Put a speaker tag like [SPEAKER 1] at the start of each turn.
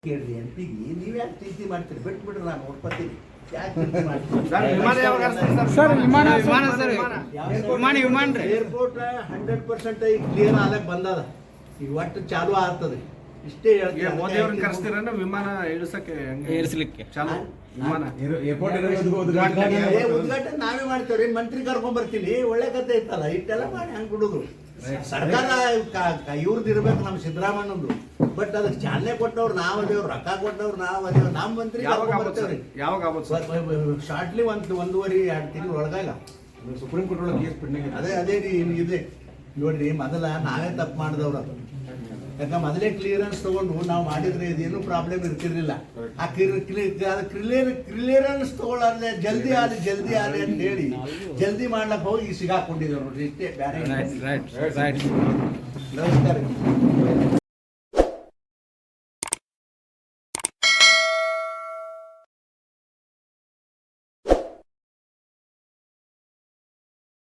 [SPEAKER 1] ಕೇಳ್ರಿ ಎಂಪಿಗೆ ನೀವು ಯಾಕೆ ಚಿಂತೆ ಮಾಡ್ತೀರಿ? ಬಿಟ್ಬಿಡ್ರಿ, ನಾನು ಒಪ್ಪತ್ತೀನಿ. ಯಾಕೆ ಚಿಂತೆ ಮಾಡ್ತೀರಿ? ಏರ್ಪೋರ್ಟ್ 100% ಈಗ ಕ್ಲಿಯರ್ ಆಗಕ್ಕೆ ಬಂದದ. ಈಗ ಒಟ್ಟು ಚಾಲು ಆಗ್ತದೆ. ಇಷ್ಟೇ ಹೇಳ್ತೀನಿ.
[SPEAKER 2] ವಿಮಾನ ಇಳಿಸಕ್ಕೆ
[SPEAKER 3] ಏರಿಸಲಿಕ್ಕೆ
[SPEAKER 2] ಚಾಲು ವಿಮಾನ
[SPEAKER 1] ಉದ್ಘಾಟನೆ ನಾವೇ ಮಾಡ್ತೇವ್ರಿ. ಮಂತ್ರಿ ಕರ್ಕೊಂಡ್ ಬರ್ತೀನಿ. ಒಳ್ಳೆ ಕತೆ ಇತ್ತಲ್ಲ, ಇಟ್ಟೆಲ್ಲ ಮಾಡಿ ಹಂಗೆ ಬಿಡುದು. ಸರ್ಕಾರ ಇವ್ರದ್ದು ಇರ್ಬೇಕು, ನಮ್ಮ ಸಿದ್ದರಾಮಯ್ಯನದು. ಬಟ್ ಅದಕ್ಕೆ ಚಾಲನೆ ಕೊಟ್ಟವ್ರು ನಾವು ಅದೇವ್ರು, ರೊಕ್ಕ ಕೊಟ್ಟವ್ರು ನಾವು ಅದೇವ್. ನಮ್ಮ ಮಂತ್ರಿ ಬರ್ತೇವ್ರಿ ಶಾರ್ಟ್ಲಿ 1.5-2 ತಿಂಗಳು ಒಳಗಾಗ
[SPEAKER 2] ಸುಪ್ರೀಂ ಕೋರ್ಟ್ ಒಳಗೆ ಕೇಸ್ ಪೆಂಡಿಂಗ್
[SPEAKER 1] ಅದೇ ರೀ ಇದೆ ನೋಡ್ರಿ. ಮೊದಲ ನಾವೇ ತಪ್ಪು ಮಾಡಿದವ್ರು. ಅದು ಯಾಕಂದ್ರೆ ಮೊದಲೇ ಕ್ಲಿಯರೆನ್ಸ್ ತಗೊಂಡು ನಾವು ಮಾಡಿದ್ರೆ ಇದೇನು ಪ್ರಾಬ್ಲಮ್ ಇರ್ತಿರ್ಲಿಲ್ಲ. ಆ ಕ್ಲಿಯರೆನ್ಸ್ ತಗೊಳ್ಳಾರ್ದೆ ಜಲ್ದಿ ಆಲಿ ಅಂತ ಹೇಳಿ ಜಲ್ದಿ ಮಾಡ್ಲಕ್ಕೆ ಹೋಗಿ ಸಿಗಾಕೊಂಡಿದ್ರು ನೋಡ್ರಿ. ಇಷ್ಟೇ ಬೇರೆ.
[SPEAKER 3] ರೈಟ್
[SPEAKER 1] ನಮಸ್ಕಾರ.